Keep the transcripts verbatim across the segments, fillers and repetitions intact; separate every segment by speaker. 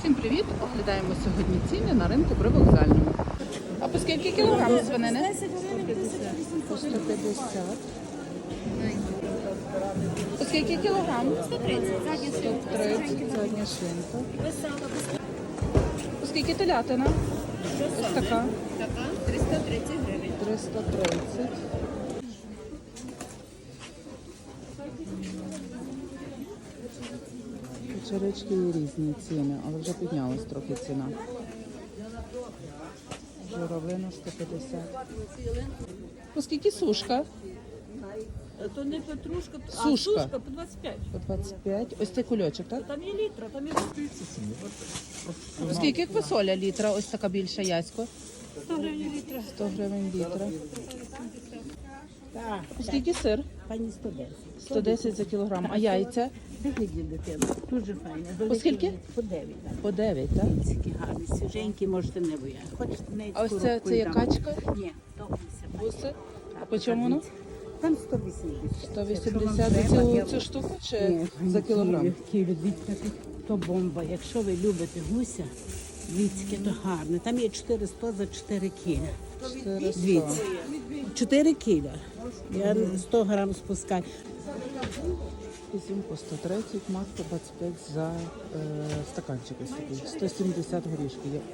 Speaker 1: Всім привіт! Оглядаємо сьогодні ціни на ринку Привокзальному. А по скільки кілограм свинини? По сто п'ятдесят. По скільки кілограм?
Speaker 2: сто тридцять.
Speaker 1: сто тридцять, задня шинка. По скільки телятина? Ось така.
Speaker 2: Така триста тридцять гривень.
Speaker 1: триста тридцять. Черечки є різні ціни, але вже піднялась трохи ціна. Журавлина сто п'ятдесят. По скільки сушка?
Speaker 3: То не петрушка, а
Speaker 1: Сушка.
Speaker 3: сушка по двадцять п'ять.
Speaker 1: По двадцять п'ять. Ось цей кульочок, так?
Speaker 3: Там є літра, там є
Speaker 1: По скільки квасоля літра? Ось така більша ясько.
Speaker 3: сто гривень літра.
Speaker 1: сто гривень літра.
Speaker 3: Так,
Speaker 1: По скільки сир?
Speaker 3: пані сто десять.
Speaker 1: сто десять за кілограм. А яйця?
Speaker 3: Вигляді дитина, дуже файне.
Speaker 1: По скільки?
Speaker 3: По дев'ять.
Speaker 1: По дев'ять, так?
Speaker 3: Такі гарні, свіженькі, можете не бояти. Хочете неї
Speaker 1: А ось це, це є качка?
Speaker 3: Ні, то гуся.
Speaker 1: Буси? А по чому воно?
Speaker 3: Там сто вісімдесят.
Speaker 1: сто вісімдесят за цю, цю штуку чи за кілограм?
Speaker 3: Дивіться, то бомба. Якщо ви любите гуся, віцьки, то гарне. Там є чотириста за чотири кіля.
Speaker 1: чотириста.
Speaker 3: Дивіться. чотири кіля. Я сто грам спускаю.
Speaker 1: Ізюм по сто тридцять, мак по двадцять п'ять за е, стаканчик ось такий. сто сімдесят горішки є.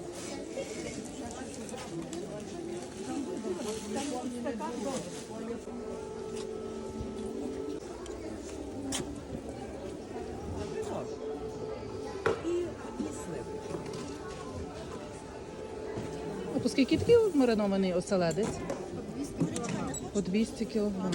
Speaker 1: А по скільки такий маринований оселедець? По двісті кілограм.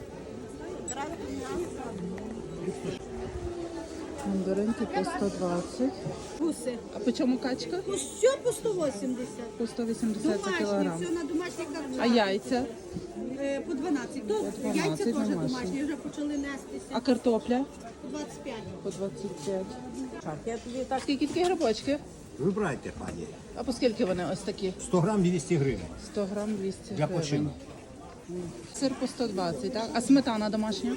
Speaker 1: Мандаринки по сто двадцять.
Speaker 2: Гуси.
Speaker 1: А по чому качка?
Speaker 2: Все по сто вісімдесят.
Speaker 1: По сто вісімдесят за
Speaker 2: Домашні,
Speaker 1: кілограм.
Speaker 2: все на домашніх
Speaker 1: А
Speaker 2: картоплях.
Speaker 1: яйця?
Speaker 2: Е, По дванадцять. То
Speaker 1: дванадцять
Speaker 2: яйця теж
Speaker 1: домашні.
Speaker 2: домашні, вже почали нестися.
Speaker 1: А картопля?
Speaker 2: По двадцять п'ять.
Speaker 1: По двадцять п'ять.
Speaker 3: Я тобі так
Speaker 1: Скільки такі грибочки?
Speaker 4: Вибирайте, пані.
Speaker 1: А по скільки вони ось такі?
Speaker 4: сто грам двісті гривень.
Speaker 1: сто грам двісті
Speaker 4: Для
Speaker 1: гривень.
Speaker 4: починку.
Speaker 1: Сир по сто двадцять, так? А сметана домашня?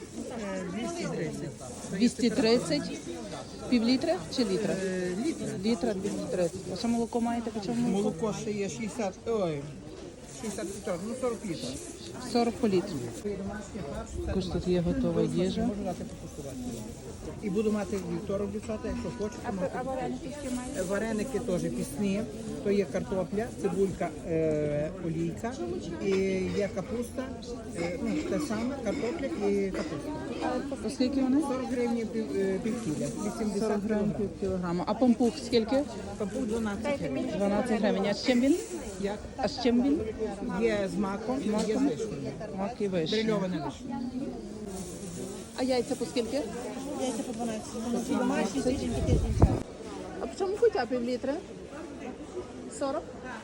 Speaker 1: двісті тридцять. Пів літра чи літра? Літра. Літра двісті тридцять. А що молоко маєте? По чому молоко?
Speaker 5: Молоко ще є шістдесят, ой, шістдесят літрів, ну сорок літрів.
Speaker 1: сорок по літру. Також тут є готова їжа.
Speaker 5: Можу дати покуштувати. І буду мати вівторок, дівчата, якщо хочете. А, вареники які Вареники теж пісні. То є картопля, цибулька, е, олійка, і є капуста, е, ну, те саме, картопля і капуста.
Speaker 1: По скільки вони?
Speaker 5: сорок гривень пів, е, пів кіля, вісімдесят
Speaker 1: сорок грам
Speaker 5: гривень.
Speaker 1: пів кілограма. А пампух скільки?
Speaker 5: Капух дванадцять гривень.
Speaker 1: дванадцять гривень. А з чим він?
Speaker 5: Як?
Speaker 1: А з чим він?
Speaker 5: Є з маком, є з вишнею.
Speaker 1: Мак і вишня.
Speaker 5: Брильоване вишня.
Speaker 1: А яйця по скільки?
Speaker 2: Яйця по дванадцять. Домашні, свіженькі, тиждень.
Speaker 1: А по чому кутя пів літра? сорок.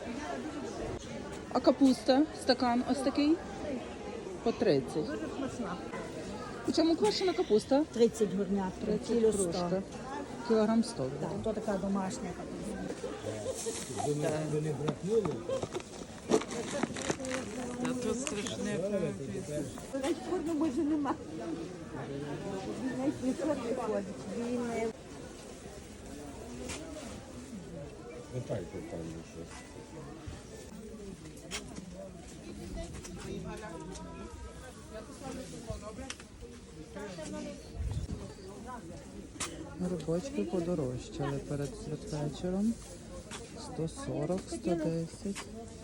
Speaker 1: А капуста, стакан ось такий? По тридцять. Дуже смачна. По чому квашена капуста?
Speaker 2: тридцять горнят, кіло сто.
Speaker 1: Кружка. Кілограм сто.
Speaker 2: Так, то така домашня. Форми може нема. Він ходить. Він
Speaker 1: Грибочки подорожчали перед святвечором. сто сорок, сто десять.